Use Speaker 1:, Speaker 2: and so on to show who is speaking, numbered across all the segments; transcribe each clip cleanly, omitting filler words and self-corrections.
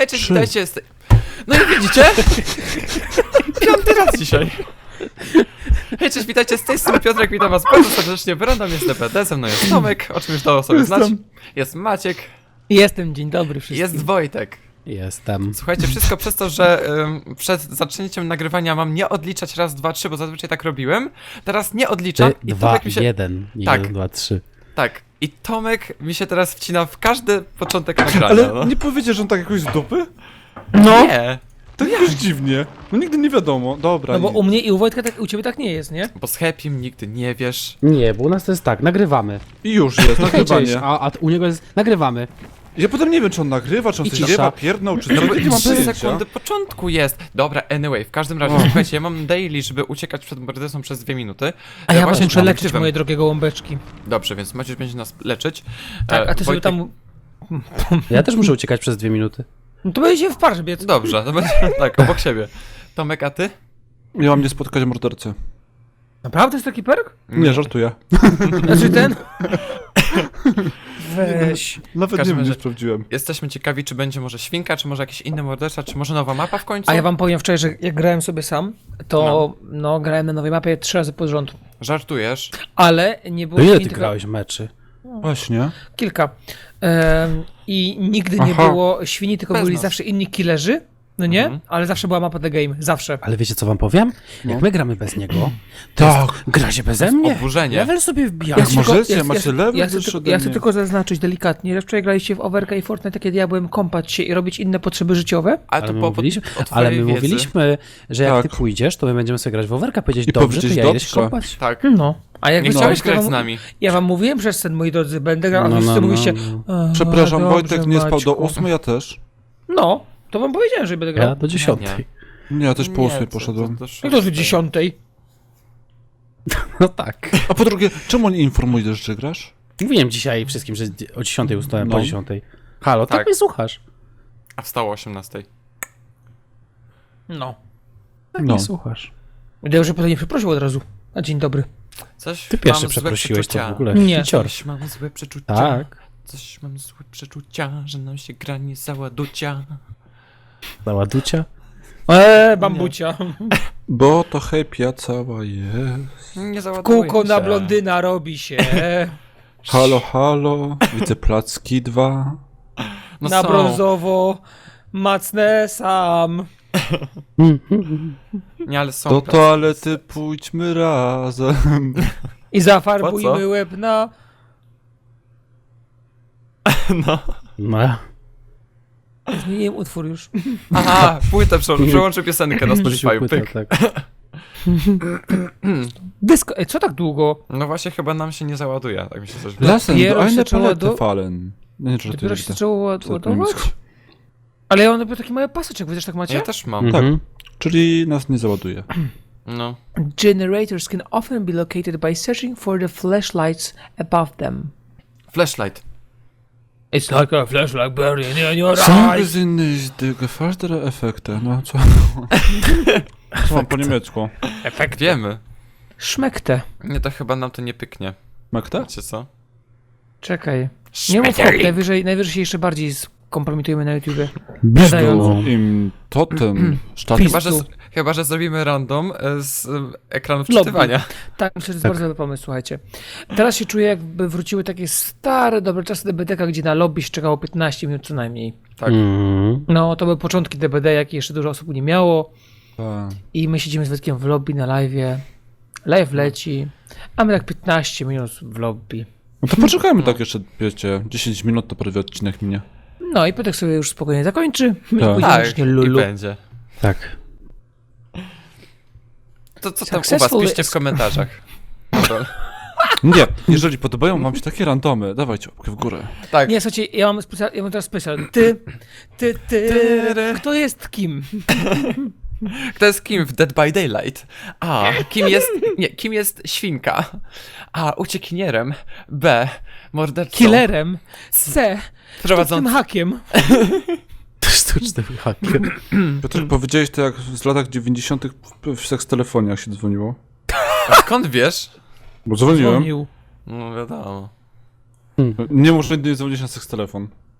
Speaker 1: Hej, cześć, witajcie. No i widzicie? Piąty raz dzisiaj. Hej, cześć, witajcie, z tej strony Piotrek, witam was bardzo serdecznie, Brandon jest DPD, ze mną jest Tomek, o czym już dało sobie znać. Jest Maciek.
Speaker 2: Jestem, dzień dobry wszystkim.
Speaker 1: Jest Wojtek.
Speaker 3: Jestem.
Speaker 1: Słuchajcie, wszystko przez to, że przed zaczęciem nagrywania mam nie odliczać raz, dwa, trzy, bo zazwyczaj tak robiłem. Teraz nie odliczam.
Speaker 3: Ty, dwa,
Speaker 1: Tomek mi się...
Speaker 3: jeden. Nie,
Speaker 1: Tak.
Speaker 3: 1, 2, 3.
Speaker 1: Tak. I Tomek mi się teraz wcina w każdy początek nagrania.
Speaker 4: Ale
Speaker 1: no.
Speaker 4: nie powiedziesz, że on tak jakoś z dupy?
Speaker 2: No,
Speaker 1: Nie,
Speaker 4: To jakoś dziwnie. No nigdy nie wiadomo. Dobra.
Speaker 2: no bo u mnie i u Wojtka tak, u ciebie tak nie jest, nie?
Speaker 1: bo z Happym nigdy nie wiesz.
Speaker 3: Nie, bo u nas to jest tak, nagrywamy.
Speaker 4: I już jest,
Speaker 3: Hej, cześć,
Speaker 4: nagrywanie.
Speaker 3: a u niego jest, nagrywamy.
Speaker 4: Ja potem nie wiem, czy on nagrywa, czy on
Speaker 3: I
Speaker 4: coś
Speaker 3: cisza.
Speaker 4: ziewa, pierdnął, czy
Speaker 1: No
Speaker 4: co.
Speaker 1: bo
Speaker 4: Nie mam
Speaker 1: 3
Speaker 4: pojęcia.
Speaker 1: sekundy początku jest. Dobra, anyway, w każdym razie, słuchajcie, ja mam daily, żeby uciekać przed mordercą przez 2 minuty.
Speaker 2: A ja was
Speaker 1: Właśnie
Speaker 2: muszę
Speaker 1: przed
Speaker 2: leczyć
Speaker 1: aktywem.
Speaker 2: moje drogie gołąbeczki.
Speaker 1: Dobrze, więc Maciuś będzie nas leczyć.
Speaker 2: Tak, a ty sobie
Speaker 1: Wojtek-
Speaker 2: tam...
Speaker 3: Ja też muszę uciekać przez 2 minuty.
Speaker 2: No to będzie się w parze biec.
Speaker 1: Dobrze, to będzie tak, obok siebie. Tomek, a ty?
Speaker 4: Ja mam nie spotkać mordercy.
Speaker 2: Naprawdę jest taki perk?
Speaker 4: Nie, żartuję.
Speaker 2: Znaczy ten... Weź.
Speaker 4: Nawet nie
Speaker 1: każdym
Speaker 4: wiem, nie
Speaker 1: razie-
Speaker 4: sprawdziłem.
Speaker 1: Jesteśmy ciekawi, czy będzie może świnka, czy może jakiś inny morderca, czy może nowa mapa w końcu?
Speaker 2: A ja wam powiem wczoraj, że jak grałem sobie sam, to no grałem na nowej mapie 3 razy pod rząd.
Speaker 1: Żartujesz?
Speaker 2: Ale nie było
Speaker 3: To ile
Speaker 2: świni,
Speaker 3: ty
Speaker 2: tylko
Speaker 3: grałeś meczy?
Speaker 4: Właśnie.
Speaker 2: kilka. I nigdy nie
Speaker 4: Aha.
Speaker 2: było świni, tylko
Speaker 1: Bez
Speaker 2: byli
Speaker 1: nas.
Speaker 2: zawsze inni killerzy. No nie?
Speaker 1: Mhm.
Speaker 2: Ale zawsze była mapa The Game. Zawsze.
Speaker 3: Ale wiecie co wam powiem? Jak my gramy bez niego, to
Speaker 4: Tak.
Speaker 3: gra się beze mnie.
Speaker 1: Oburzenie.
Speaker 3: Level sobie wbija.
Speaker 4: Jak
Speaker 2: chcę tylko-
Speaker 4: możecie,
Speaker 2: ja-
Speaker 4: macie
Speaker 2: ja-
Speaker 4: level
Speaker 2: ja chcę,
Speaker 4: wyższy
Speaker 2: tylko,
Speaker 4: ode
Speaker 2: ja chcę
Speaker 4: mnie.
Speaker 2: tylko zaznaczyć delikatnie, że wczoraj graliście w Overka i Fortnite, kiedy ja byłem kąpać się i robić inne potrzeby życiowe.
Speaker 1: A
Speaker 3: Ale
Speaker 1: tu
Speaker 3: my,
Speaker 1: po,
Speaker 3: mówiliśmy,
Speaker 1: o
Speaker 3: ale
Speaker 1: twojej
Speaker 3: my
Speaker 1: wiedzy.
Speaker 3: mówiliśmy, że jak
Speaker 4: Tak.
Speaker 3: ty pójdziesz, to my będziemy sobie grać w overka, powiedzieć
Speaker 4: I
Speaker 3: dobrze, to
Speaker 4: powiedzieć
Speaker 3: ja idę się
Speaker 4: dobrze.
Speaker 3: kąpać.
Speaker 1: Tak.
Speaker 2: No. A jak
Speaker 1: Nie
Speaker 2: wy
Speaker 1: chciałeś
Speaker 2: to ja
Speaker 1: grać z
Speaker 2: wam-
Speaker 1: nami.
Speaker 2: Ja wam mówiłem przez ten, moi drodzy, będę grał, a wy wszyscy mówicie... "A,
Speaker 4: Przepraszam,
Speaker 2: dobrze,
Speaker 4: Wojtek nie spał do
Speaker 2: Maćku".
Speaker 4: 8, ja też.
Speaker 2: No, to wam powiedziałem, że będę grał.
Speaker 3: Ja do 10.
Speaker 4: Nie, ja też po 8
Speaker 1: to-
Speaker 4: poszedłem.
Speaker 2: No to, że 10.
Speaker 3: No tak.
Speaker 4: A po drugie, czemu nie informujesz, że grasz?
Speaker 3: Mówiłem dzisiaj wszystkim, że o 10 ustałem,
Speaker 4: No.
Speaker 3: po 10. Halo, tak
Speaker 1: Tak.
Speaker 3: mnie słuchasz.
Speaker 1: A wstało o 18.
Speaker 2: No.
Speaker 3: Tak
Speaker 4: No.
Speaker 3: mnie słuchasz.
Speaker 2: Wydaje, że potem nie przeprosił od razu. A dzień dobry.
Speaker 1: Coś
Speaker 3: Ty pierwszy
Speaker 1: mam złe
Speaker 3: przeprosiłeś to
Speaker 1: przeczucia.
Speaker 3: w ogóle.
Speaker 2: Nie.
Speaker 3: Hicior.
Speaker 1: Coś mam złe przeczucia.
Speaker 3: Tak.
Speaker 1: Coś mam złe przeczucia, że nam się gra nie załaducia.
Speaker 3: Załaducia.
Speaker 2: Bambucia.
Speaker 4: Bo to hejpia cała jest.
Speaker 1: Nie załaduje
Speaker 2: Kółko
Speaker 1: się.
Speaker 2: na blondyna robi się.
Speaker 4: Halo, halo, widzę placki 2.
Speaker 1: No
Speaker 2: Na
Speaker 1: są.
Speaker 2: brązowo. Macnę sam.
Speaker 1: Nie, ale są.
Speaker 4: Do toalety pójdźmy razem.
Speaker 2: I
Speaker 1: Po
Speaker 2: zafarbujmy
Speaker 1: co?
Speaker 2: łeb na...
Speaker 1: No.
Speaker 3: No.
Speaker 2: Zmieniłem utwór już.
Speaker 1: Aha, płytę przełączę piosenkę na Spotify.
Speaker 3: Płyta,
Speaker 1: Pyk.
Speaker 3: tak.
Speaker 2: Dysko. Ej, co tak długo?
Speaker 1: No właśnie, chyba nam się nie załaduje, tak mi się coś wydaje.
Speaker 4: Lassen,
Speaker 2: Dopiero
Speaker 4: do
Speaker 2: się
Speaker 4: eine
Speaker 2: zaczęło
Speaker 4: Palette
Speaker 2: do-
Speaker 4: fallen. Nie, nie,
Speaker 2: Dopiero się zaczęło
Speaker 4: To
Speaker 2: ładować?
Speaker 4: niemiecko.
Speaker 2: Ale ja mam taki mały paseczek, wy też tak macie?
Speaker 1: Ja też mam.
Speaker 3: Mhm.
Speaker 4: Czyli nas nie załaduje.
Speaker 1: No.
Speaker 2: Generators can often be located by searching for the flashlights above them.
Speaker 1: Flashlight.
Speaker 2: It's like a flashlight burning in your
Speaker 4: Są
Speaker 2: eyes.
Speaker 4: die gefaltere Effekte. No co? Co mam po niemiecku?
Speaker 2: Efekt.
Speaker 1: Wiemy.
Speaker 2: Szmekte.
Speaker 1: Nie, to chyba nam to nie pyknie.
Speaker 4: Makta?
Speaker 1: Wiecie co?
Speaker 2: Czekaj. Nie mów hop, najwyżej się jeszcze bardziej skompromitujemy na YouTubie.
Speaker 3: Brzdu.
Speaker 4: Im totem. Sztat.
Speaker 1: Chyba, że zrobimy random z ekranu
Speaker 2: Lobby.
Speaker 1: wczytywania.
Speaker 2: Tak, myślę, że to jest bardzo dobry pomysł, słuchajcie. Teraz się czuję, jakby wróciły takie stare, dobre czasy DBD, gdzie na lobby się czekało 15 minut co najmniej.
Speaker 1: Tak.
Speaker 2: No, to były początki DBD, jakie jeszcze dużo osób nie miało.
Speaker 4: Tak.
Speaker 2: I my siedzimy z Wojtkiem w lobby na live'ie. Live leci, a my tak 15 minut w lobby.
Speaker 4: No to poczekajmy tak jeszcze, wiecie, 10 minut to prawie odcinek minie.
Speaker 2: No i Piotrek sobie już spokojnie zakończy. My
Speaker 4: Tak.
Speaker 2: pójdziemy
Speaker 1: Tak,
Speaker 2: już nie
Speaker 1: i
Speaker 2: lulu.
Speaker 1: będzie.
Speaker 3: Tak.
Speaker 1: To co tam u was?
Speaker 2: Successful
Speaker 1: Piszcie w
Speaker 2: is-
Speaker 1: komentarzach. Dobra.
Speaker 4: Nie, jeżeli podobają wam się takie randomy, dawajcie łapkę w górę.
Speaker 1: Tak.
Speaker 2: Nie, słuchajcie, ja mam teraz specjal. Ty, kto jest kim?
Speaker 1: Kto jest kim w Dead by Daylight? A, kim jest świnka? A, uciekinierem. B, mordercą.
Speaker 2: Killerem. C,
Speaker 1: Prowadzącym.
Speaker 2: tym hakiem.
Speaker 3: Sztuczny hakier.
Speaker 4: Piotr, powiedziałeś to jak z latach 90. w sekstelefonach się dzwoniło.
Speaker 1: Skąd wiesz?
Speaker 4: Bo dzwoniłem.
Speaker 2: Dzwonił.
Speaker 1: No wiadomo.
Speaker 4: Nie muszę nigdy nie dzwonić na sekstelefon.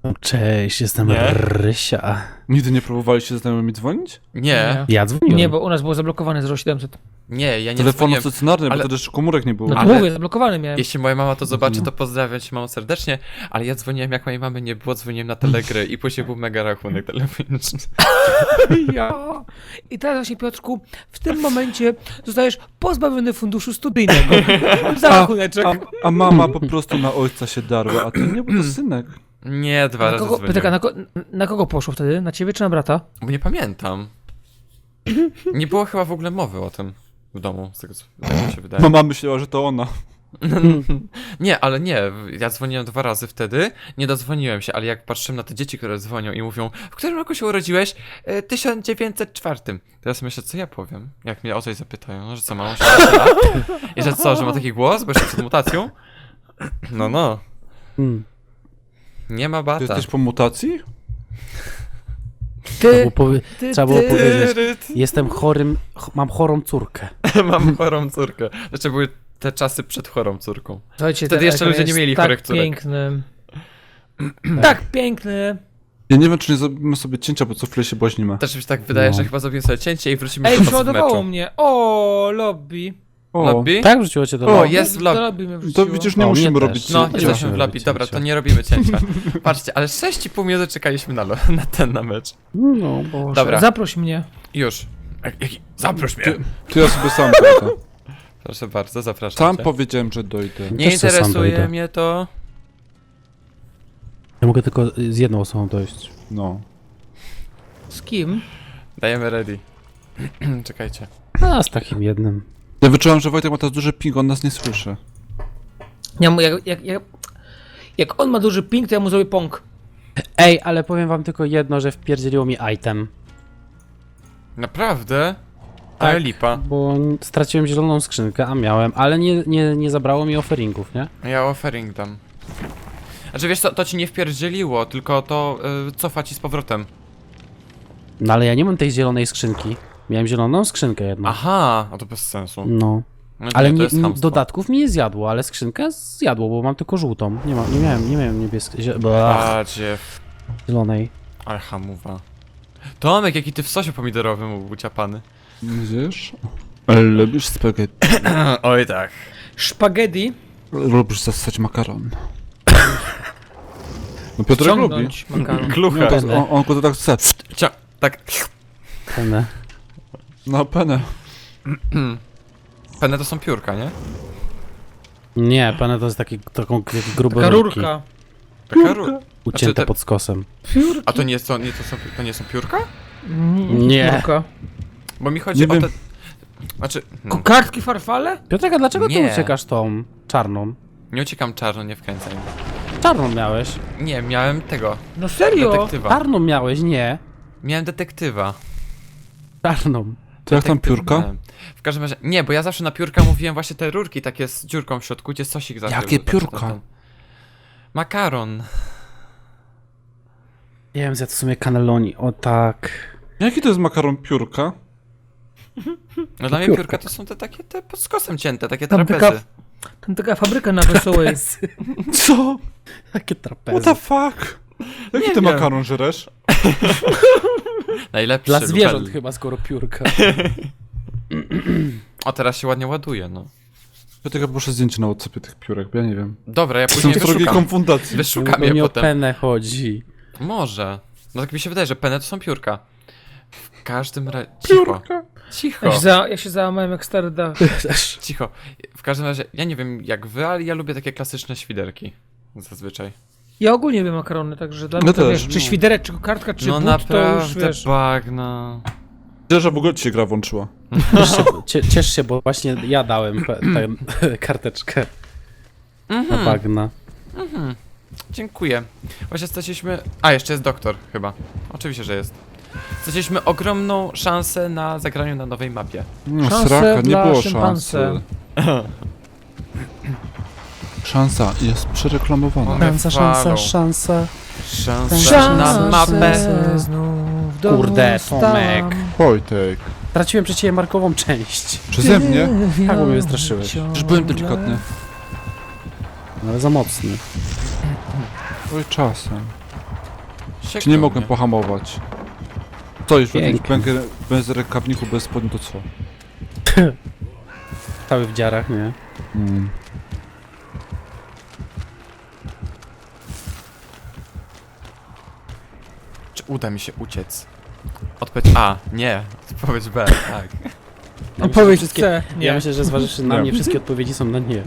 Speaker 3: Cześć, jestem
Speaker 1: Nie?
Speaker 3: Rysia.
Speaker 4: Nigdy nie próbowaliście ze znajomymi dzwonić?
Speaker 1: Nie,
Speaker 3: Ja dzwoniłem.
Speaker 2: Nie, bo u nas było zablokowane 0700.
Speaker 1: nie, ja nie
Speaker 4: Telefonu
Speaker 1: dzwoniłem.
Speaker 4: stacjonarny, bo
Speaker 1: ale-
Speaker 4: wtedy jeszcze komórek nie było.
Speaker 2: No to
Speaker 1: Ale-
Speaker 2: mówię, zablokowany miałem.
Speaker 1: Jeśli moja mama to zobaczy, to pozdrawiam cię mamą serdecznie, ale ja dzwoniłem jak mojej mamy nie było, dzwoniłem na Telegry i później był mega rachunek telefoniczny.
Speaker 2: Ja. I teraz właśnie, Piotrku, w tym momencie zostajesz pozbawiony funduszu studyjnego. Za rachuneczek.
Speaker 4: A mama po prostu na ojca się darła, a ty nie, bo to synek.
Speaker 1: Nie, dwa
Speaker 2: Na
Speaker 1: razy
Speaker 2: kogo,
Speaker 1: dzwoniłem.
Speaker 2: Piotrka, na kogo poszło wtedy? Na ciebie czy na brata?
Speaker 1: Bo nie pamiętam. Nie było chyba w ogóle mowy o tym w domu, z tego co tak mi się wydaje.
Speaker 4: Mama myślała, że to ona.
Speaker 1: Nie, ale nie, ja dzwoniłem 2 razy wtedy, nie dodzwoniłem się, ale jak patrzyłem na te dzieci, które dzwonią i mówią, w którym roku się urodziłeś? 1904. Teraz myślę, co ja powiem, jak mnie o coś zapytają, no, że co, mam 18 lat? I że co, że ma taki głos, bo jeszcze przed mutacją? No,
Speaker 3: Hmm.
Speaker 1: nie ma
Speaker 4: Ty
Speaker 1: bata.
Speaker 4: jesteś po mutacji?
Speaker 3: Trzeba było, trzeba było
Speaker 2: ty.
Speaker 3: powiedzieć, jestem chorym, mam chorą córkę.
Speaker 1: Mam chorą córkę. Znaczy były te czasy przed chorą córką.
Speaker 2: Słuchajcie,
Speaker 1: Wtedy
Speaker 2: ten
Speaker 1: jeszcze
Speaker 2: ekran
Speaker 1: ludzie nie
Speaker 2: jest
Speaker 1: mieli
Speaker 2: tak
Speaker 1: chorych córek.
Speaker 2: piękny. Tak piękny.
Speaker 4: Ja nie wiem, czy nie zrobimy sobie cięcia, bo co chwilę się boźnimy.
Speaker 1: Też mi się tak wydaje,
Speaker 3: No.
Speaker 1: że chyba zrobimy sobie cięcie i wrócimy
Speaker 2: Ej,
Speaker 1: do was w
Speaker 2: przeładowało
Speaker 1: meczu.
Speaker 2: mnie. O, lobby.
Speaker 4: O,
Speaker 1: Lobby?
Speaker 3: Tak wrzuciło cię do
Speaker 1: O,
Speaker 3: lobby?
Speaker 1: jest w lobby.
Speaker 2: Do lobby mnie
Speaker 4: to
Speaker 2: wrzuciło.
Speaker 4: widzisz, nie
Speaker 3: O,
Speaker 4: musimy
Speaker 3: mnie
Speaker 4: robić
Speaker 3: też.
Speaker 1: No,
Speaker 3: Nie
Speaker 1: jesteśmy
Speaker 3: musimy
Speaker 1: w lobby.
Speaker 3: robić
Speaker 1: Dobra,
Speaker 3: cięcia.
Speaker 1: to nie robimy cięcia. Patrzcie, ale 6,5 minuty czekaliśmy na mecz.
Speaker 3: No, Boże.
Speaker 1: Dobra.
Speaker 2: Zaproś mnie.
Speaker 1: Już. Zaproś mnie.
Speaker 4: To ja sobie sam pójdę.
Speaker 1: Proszę bardzo, zapraszam
Speaker 4: Sam
Speaker 1: cię.
Speaker 4: powiedziałem, że dojdę.
Speaker 1: Nie
Speaker 3: Też se sam
Speaker 1: interesuje
Speaker 3: dojdę.
Speaker 1: mnie to.
Speaker 3: Ja mogę tylko z jedną osobą dojść.
Speaker 4: No.
Speaker 2: Z kim?
Speaker 1: Dajemy ready. Czekajcie.
Speaker 3: A, z takim jednym.
Speaker 4: Ja wyczułam, że Wojtek ma teraz duży ping, on nas nie słyszy.
Speaker 2: Ja mu, jak on ma duży ping, to ja mu zrobię pong.
Speaker 3: Ej, ale powiem wam tylko jedno, że wpierdzieliło mi item.
Speaker 1: Naprawdę? Ale lipa.
Speaker 3: Bo straciłem zieloną skrzynkę, a miałem, ale nie zabrało mi offeringów, nie?
Speaker 1: Ja offering dam. Znaczy wiesz co, to ci nie wpierdzieliło, tylko to cofa ci z powrotem.
Speaker 3: No ale ja nie mam tej zielonej skrzynki. Miałem zieloną skrzynkę jedną.
Speaker 1: Aha, a to bez sensu.
Speaker 3: No.
Speaker 1: No,
Speaker 3: Ale
Speaker 1: to
Speaker 3: nie,
Speaker 1: jest chamstwo.
Speaker 3: dodatków mi nie zjadło, ale skrzynkę zjadło, bo mam tylko żółtą. Nie miałem niebieskiej,
Speaker 1: Badzie,
Speaker 3: zielonej.
Speaker 1: ale hamuwa. Tomek, jaki ty w sosie pomidorowym uciapany.
Speaker 4: Widzisz? Ale lubisz spaghetti.
Speaker 1: Oj tak.
Speaker 2: Szpaghetti.
Speaker 4: Lubisz zasać makaron. No Piotrek lubi.
Speaker 2: Ciągnąć makaron.
Speaker 1: Klucha.
Speaker 4: No, to, on go to tak chce.
Speaker 1: Tak.
Speaker 3: Penne.
Speaker 4: No penę.
Speaker 1: Penne to są piórka, nie?
Speaker 3: Nie, penne to jest taki gruby
Speaker 2: Taka
Speaker 3: rurki.
Speaker 2: rurka.
Speaker 1: Taka rurka.
Speaker 3: Ucięte
Speaker 1: Znaczy te-
Speaker 3: pod skosem.
Speaker 1: A to nie są piórka?
Speaker 3: Nie.
Speaker 2: Rurka.
Speaker 1: Bo mi chodzi
Speaker 4: Nie
Speaker 1: o
Speaker 4: wiem.
Speaker 1: te... Znaczy...
Speaker 2: Kartki farfale?
Speaker 3: Piotrek, a dlaczego ty
Speaker 1: Nie.
Speaker 3: uciekasz tą czarną?
Speaker 1: Nie uciekam czarno, nie wkręcaj mnie.
Speaker 3: Czarną miałeś.
Speaker 1: Nie, miałem tego.
Speaker 2: No serio?
Speaker 1: Detektywa.
Speaker 3: Czarną miałeś, nie.
Speaker 1: Miałem detektywa.
Speaker 3: Czarną.
Speaker 4: To jak tam
Speaker 1: Detektyw
Speaker 4: piórka?
Speaker 1: miałem. W każdym razie... Nie, bo ja zawsze na piórka mówiłem właśnie te rurki takie z dziurką w środku, gdzie sosik zawsze...
Speaker 4: Jakie
Speaker 1: zawsze
Speaker 4: piórka?
Speaker 1: Makaron.
Speaker 3: Nie wiem, zjadł w sumie cannelloni, o tak.
Speaker 4: Jaki to jest makaron piórka?
Speaker 1: No dla mnie
Speaker 3: piórka.
Speaker 1: piórka to są te takie te pod skosem cięte, takie
Speaker 2: Tam
Speaker 1: trapezy.
Speaker 2: Tam taka fabryka na Wesołej.
Speaker 4: Co?
Speaker 3: Takie
Speaker 4: What
Speaker 3: trapezy.
Speaker 4: the fuck? Jaki
Speaker 1: Nie
Speaker 4: ty
Speaker 1: wiem.
Speaker 4: makaron żeresz?
Speaker 1: Najlepszy.
Speaker 3: Dla zwierząt
Speaker 1: Lubel.
Speaker 3: chyba, skoro piórka.
Speaker 1: O, teraz się ładnie ładuje, no.
Speaker 4: Piotrek, ja poproszę zdjęcie na WhatsAppie tych piórek, bo ja nie wiem.
Speaker 1: Dobra, ja
Speaker 4: Są
Speaker 1: później
Speaker 4: to drogie
Speaker 1: wyszukam.
Speaker 4: konfundacji.
Speaker 1: Wyszukam
Speaker 3: To
Speaker 1: je
Speaker 3: nie o
Speaker 1: potem.
Speaker 3: penę chodzi.
Speaker 1: Może. No tak mi się wydaje, że penne to są piórka. W każdym razie... Cicho.
Speaker 4: Piórka?
Speaker 1: Cicho.
Speaker 2: Ja się załamałem jak stary dach.
Speaker 1: Cicho. W każdym razie, ja nie wiem jak wy, ale ja lubię takie klasyczne świderki. Zazwyczaj.
Speaker 2: Ja ogólnie lubię makarony, także dla
Speaker 4: No
Speaker 2: mnie to
Speaker 4: też,
Speaker 2: wiesz, czy
Speaker 4: no.
Speaker 2: świderek, czy kartka, czy
Speaker 1: No
Speaker 2: but, to już
Speaker 1: naprawdę
Speaker 2: wiesz.
Speaker 1: bagno.
Speaker 4: Wiesz, że w ogóle ci się gra włączyła.
Speaker 3: Ciesz się, bo właśnie ja dałem tę karteczkę na bagna.
Speaker 1: Dziękuję. Właśnie straciliśmy... A, jeszcze jest doktor chyba. Oczywiście, że jest. Straciliśmy ogromną szansę na zagraniu na nowej mapie.
Speaker 4: No,
Speaker 2: Szanse
Speaker 4: sraka, nie
Speaker 2: dla
Speaker 4: było
Speaker 2: szympanse.
Speaker 4: szansy. Szansa jest przereklamowana.
Speaker 1: One falą.
Speaker 3: Szansa.
Speaker 1: Szansa na mapę.
Speaker 2: Znów do
Speaker 3: Kurde,
Speaker 2: stan.
Speaker 3: Tomek.
Speaker 4: Wojtek.
Speaker 3: Straciłem przecież markową część.
Speaker 4: Przeze mnie?
Speaker 3: Tak, bo mnie wystraszyłeś.
Speaker 4: Już byłem delikatny.
Speaker 3: No, ale za mocny.
Speaker 4: Oj, czasem. Czy nie mogłem pohamować? Co, już w jakimś
Speaker 2: Pięknie.
Speaker 4: bez rękawniku, bez spodni, to co?
Speaker 3: Cały w dziarach, nie?
Speaker 1: Czy uda mi się uciec? Odpowiedź A. Nie. Odpowiedź B. Tak.
Speaker 2: Odpowiedź
Speaker 3: wszystkie-
Speaker 2: C.
Speaker 3: Ja
Speaker 2: Nie.
Speaker 3: myślę, że zważywszy na
Speaker 4: Nie.
Speaker 3: mnie, wszystkie odpowiedzi są na nie.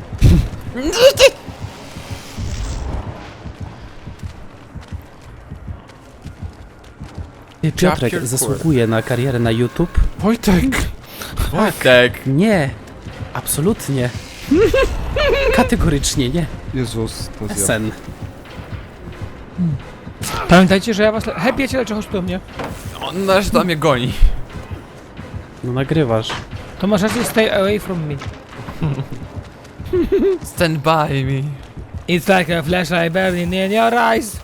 Speaker 3: Piotrek
Speaker 1: Chapter
Speaker 3: zasługuje na karierę na YouTube?
Speaker 4: Wojtek!
Speaker 1: Wojtek!
Speaker 3: Nie, absolutnie. Kategorycznie nie.
Speaker 4: Jezus, to jest ja.
Speaker 3: Sen.
Speaker 2: Pamiętajcie, że ja was... Hej, przyjaciele, chodź tu do mnie.
Speaker 1: On na razie tam mnie goni.
Speaker 3: No nagrywasz.
Speaker 2: To masz rację, stay away from me.
Speaker 1: Stand by me.
Speaker 2: It's like a flashlight burning in your eyes.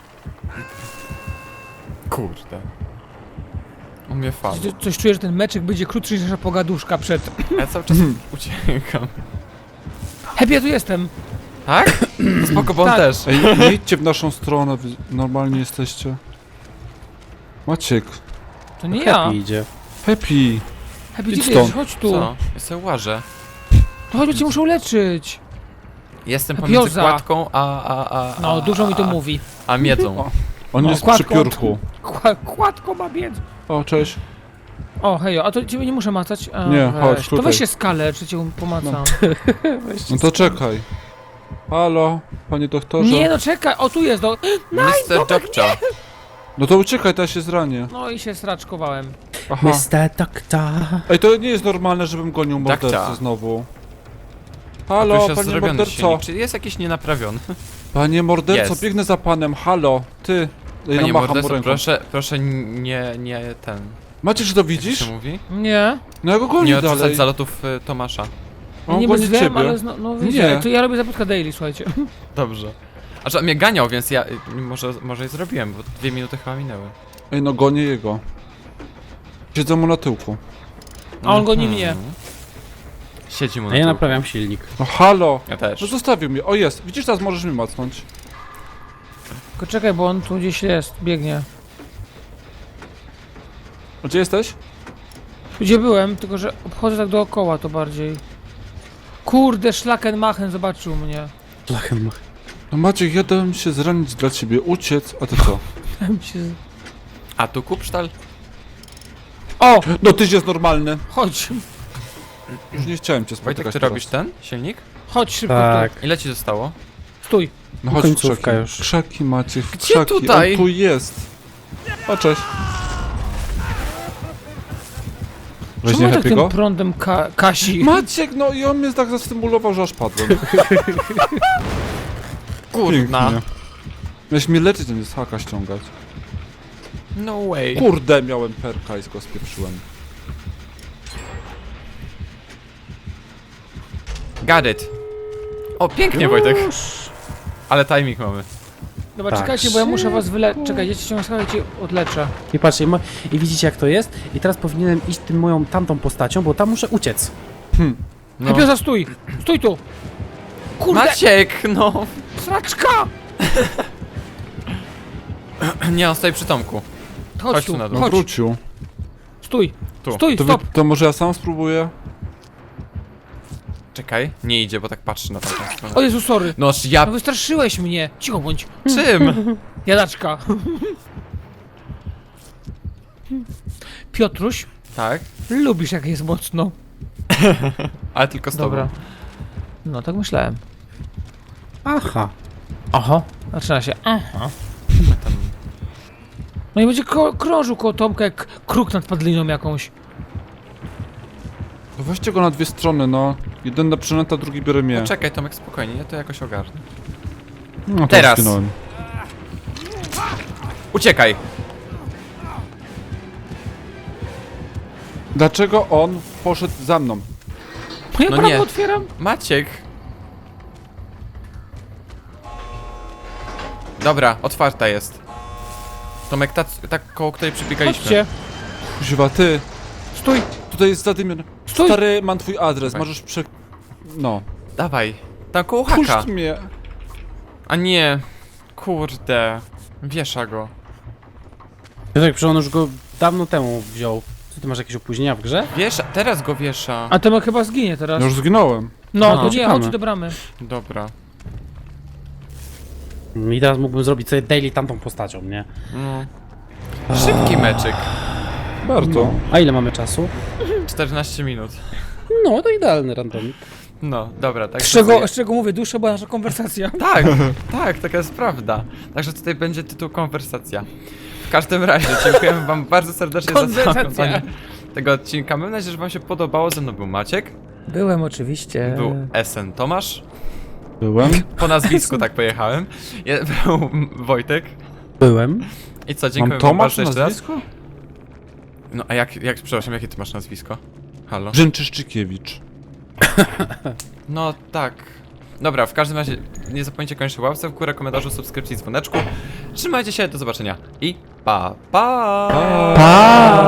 Speaker 1: Kurde. On mnie fal.
Speaker 2: Coś czuję, że ten meczek będzie krótszy niż nasza pogaduszka przed...
Speaker 1: Ja cały czas uciekam.
Speaker 2: Hej, ja tu jestem.
Speaker 1: Tak? To spoko, bo on
Speaker 2: Tak.
Speaker 1: też.
Speaker 4: Ej, nie idźcie w naszą stronę, wy normalnie jesteście. Maciek,
Speaker 2: To nie ja.
Speaker 3: Happy idzie.
Speaker 4: Happy!
Speaker 2: Hej,
Speaker 4: Idź
Speaker 2: gdzie ty
Speaker 4: stąd.
Speaker 2: jesteś? Chodź tu.
Speaker 1: Co? Ja sobie łażę.
Speaker 2: To chodź, bo cię muszę uleczyć.
Speaker 1: Jestem
Speaker 2: Pioza.
Speaker 1: pomiędzy kładką a
Speaker 2: No, dużo mi to mówi.
Speaker 1: A miedzą.
Speaker 4: On
Speaker 2: O,
Speaker 4: jest
Speaker 2: kładką.
Speaker 4: przy piórku.
Speaker 2: Kładko ma biec.
Speaker 4: O, cześć.
Speaker 2: O, hejo, a to ciebie nie muszę macać? A,
Speaker 4: Nie, chodź,
Speaker 2: To
Speaker 4: tutaj.
Speaker 2: weź się skalę, czy cię pomacam.
Speaker 4: No to czekaj. Halo, panie doktorze?
Speaker 2: Nie, no czekaj, o tu jest, no.
Speaker 1: Mr. Jobcza.
Speaker 4: No to uciekaj, to ja się zranię.
Speaker 2: No i się straczkowałem.
Speaker 4: Aha.
Speaker 3: Mr. Doctor.
Speaker 4: Ej, to nie jest normalne, żebym gonił mordercę
Speaker 1: Dakcia.
Speaker 4: znowu.
Speaker 1: Tu
Speaker 4: Halo,
Speaker 1: już jest
Speaker 4: panie
Speaker 1: zrobiony
Speaker 4: morderco.
Speaker 1: silnik. Czy jest jakiś nienaprawiony?
Speaker 4: Panie morderco,
Speaker 1: Jest.
Speaker 4: biegnę za panem, halo, ty. Ej,
Speaker 1: Panie
Speaker 4: no macham mu
Speaker 1: morderco,
Speaker 4: ręką.
Speaker 1: proszę nie ten.
Speaker 4: Macie, czy to
Speaker 1: Jak
Speaker 4: widzisz?
Speaker 1: się mówi?
Speaker 2: Nie,
Speaker 4: No ja go gonię
Speaker 1: Nie odrzucać
Speaker 4: dalej.
Speaker 1: zalotów Tomasza.
Speaker 2: ja
Speaker 4: On
Speaker 2: nie
Speaker 4: goni
Speaker 2: bezwiem,
Speaker 4: ciebie.
Speaker 2: ale no wiecie,
Speaker 4: Nie.
Speaker 2: to ja robię zapytka daily, słuchajcie.
Speaker 1: Dobrze. A że on mnie ganiał, więc ja może i zrobiłem, bo 2 minuty chyba minęły.
Speaker 4: Ej, no gonię jego. Siedzę mu na tyłku.
Speaker 2: A on goni mnie.
Speaker 1: Siedzi mu
Speaker 3: A
Speaker 1: na
Speaker 3: ja
Speaker 1: tyłku.
Speaker 3: naprawiam silnik.
Speaker 4: No halo.
Speaker 1: Ja też.
Speaker 4: No zostawił mnie. O, jest. Widzisz, teraz możesz mi macnąć.
Speaker 2: Tylko czekaj, bo on tu gdzieś jest, biegnie.
Speaker 4: A gdzie jesteś?
Speaker 2: Gdzie byłem, tylko że obchodzę tak dookoła to bardziej. Kurde, Schlackenmachen zobaczył mnie.
Speaker 3: Lachem.
Speaker 4: No Maciek, ja dałem się zranić dla ciebie, uciec, a ty co?
Speaker 2: Dałem się z-
Speaker 1: A tu Kupsztal?
Speaker 2: O,
Speaker 4: No tyś jest normalny.
Speaker 2: chodź,
Speaker 4: Już nie chciałem cię spotykać
Speaker 1: Wojtek, ty
Speaker 4: teraz.
Speaker 1: robisz ten silnik?
Speaker 2: chodź szybko
Speaker 3: Tak.
Speaker 1: Ile ci zostało?
Speaker 2: tu. Stój.
Speaker 4: No chodź w
Speaker 3: Końcówka
Speaker 4: krzaki.
Speaker 3: już.
Speaker 4: Krzaki Maciek,
Speaker 1: Gdzie
Speaker 4: krzaki.
Speaker 1: tutaj?
Speaker 4: On tu jest. O, cześć.
Speaker 2: Czemu
Speaker 4: Weźmie
Speaker 2: tak tym
Speaker 4: Happy'ego?
Speaker 2: prądem kasi?
Speaker 4: Maciek, no i on mnie tak zastymulował, że aż padłem.
Speaker 1: Kurna.
Speaker 4: Pięknie. Miałeś mnie leczyć, a nie z haka ściągać.
Speaker 1: No way.
Speaker 4: Kurde, miałem perka i go spieprzyłem.
Speaker 1: Got it. O, pięknie Wojtek. Ale timing mamy.
Speaker 2: Dobra,
Speaker 3: Tak.
Speaker 2: czekajcie, bo ja muszę was wyleczyć. Czekaj, ja cię ciągle cię odleczę.
Speaker 3: I patrzcie, i widzicie jak to jest? I teraz powinienem iść tym moją tamtą postacią, bo tam muszę uciec.
Speaker 1: No.
Speaker 2: Hej, Pioza, stój! Stój tu! Kurde,
Speaker 1: Maciek, no.
Speaker 2: sraczka!
Speaker 1: Nie, on stoi przy Tomku.
Speaker 2: Chodź
Speaker 1: Chodź
Speaker 2: tu,
Speaker 1: tu na dół.
Speaker 2: chodź,
Speaker 4: Wrócił.
Speaker 2: stój,
Speaker 1: Tu.
Speaker 2: stój,
Speaker 4: To,
Speaker 2: stop!
Speaker 4: to może ja sam spróbuję?
Speaker 1: Czekaj, nie idzie, bo tak patrzy na tamtą stronę.
Speaker 2: O Jezu, sorry.
Speaker 1: No ja...
Speaker 2: No wystraszyłeś mnie. Cicho bądź.
Speaker 1: Czym?
Speaker 2: Jadaczka. Piotruś,
Speaker 1: Tak,
Speaker 2: lubisz jak jest mocno.
Speaker 1: ale tylko z tobą.
Speaker 2: Dobra. No, tak myślałem.
Speaker 3: Aha.
Speaker 2: Aha. Zaczyna się. Aha.
Speaker 1: Tam...
Speaker 2: No i będzie krążył koło Tomka jak kruk nad padliną jakąś.
Speaker 4: No weźcie go na dwie strony, no. Jeden na przynęta, drugi biorę mnie.
Speaker 1: No czekaj Tomek, spokojnie, ja to jakoś ogarnę.
Speaker 4: No, to
Speaker 1: Teraz.
Speaker 4: zginąłem.
Speaker 1: Uciekaj!
Speaker 4: Dlaczego on poszedł za mną?
Speaker 2: Ja
Speaker 1: No
Speaker 2: prawo
Speaker 1: nie.
Speaker 2: otwieram.
Speaker 1: Maciek! Dobra, otwarta jest. Tomek, ta koło której przebiegaliśmy.
Speaker 2: Chodźcie.
Speaker 4: Kuźwa, ty.
Speaker 2: Stój.
Speaker 4: Tutaj jest zadymiony.
Speaker 2: Stój.
Speaker 4: Stary, mam twój adres,
Speaker 1: Dawaj.
Speaker 4: możesz No.
Speaker 1: Dawaj. Tam koło haka.
Speaker 4: Puść mnie.
Speaker 1: A nie. Kurde. Wiesza go.
Speaker 3: Piotrek, przecież on już go dawno temu wziął. Co, ty masz jakieś opóźnienia w grze?
Speaker 1: Wiesza, teraz go wiesza.
Speaker 2: A Tomek chyba zginie teraz.
Speaker 4: Ja już zginąłem.
Speaker 2: No,
Speaker 3: A,
Speaker 2: to nie,
Speaker 3: czekamy.
Speaker 2: chodź do bramy.
Speaker 1: Dobra.
Speaker 3: I teraz mógłbym zrobić sobie daily tamtą postacią, nie?
Speaker 1: No. Szybki meczyk.
Speaker 4: Bardzo.
Speaker 3: A ile mamy czasu?
Speaker 1: 14 minut.
Speaker 3: No, to idealny randomik.
Speaker 1: No, dobra, tak.
Speaker 2: Z czego mówię, dłuższa była nasza konwersacja.
Speaker 1: Tak, tak, taka jest prawda. Także tutaj będzie tytuł konwersacja. W każdym razie, dziękujemy wam bardzo serdecznie za
Speaker 2: Konwersacja.
Speaker 1: oglądanie tego odcinka. Mam nadzieję, że wam się podobało. Ze mną był Maciek,
Speaker 2: Byłem oczywiście.
Speaker 1: był SN Tomasz,
Speaker 4: Byłem.
Speaker 1: po nazwisku tak pojechałem, był Wojtek.
Speaker 3: Byłem.
Speaker 1: I co, dziękuję
Speaker 4: Mam
Speaker 1: wam
Speaker 4: Tomasz
Speaker 1: bardzo jeszcze raz.
Speaker 4: nazwisko?
Speaker 1: No a przepraszam, jakie ty masz nazwisko? Halo?
Speaker 4: Brzęczyszczykiewicz.
Speaker 1: No tak. Dobra, w każdym razie nie zapomnijcie koniecznie łapce w górę, komentarzu, subskrypcji, dzwoneczku. Trzymajcie się, do zobaczenia i pa!
Speaker 4: Pa!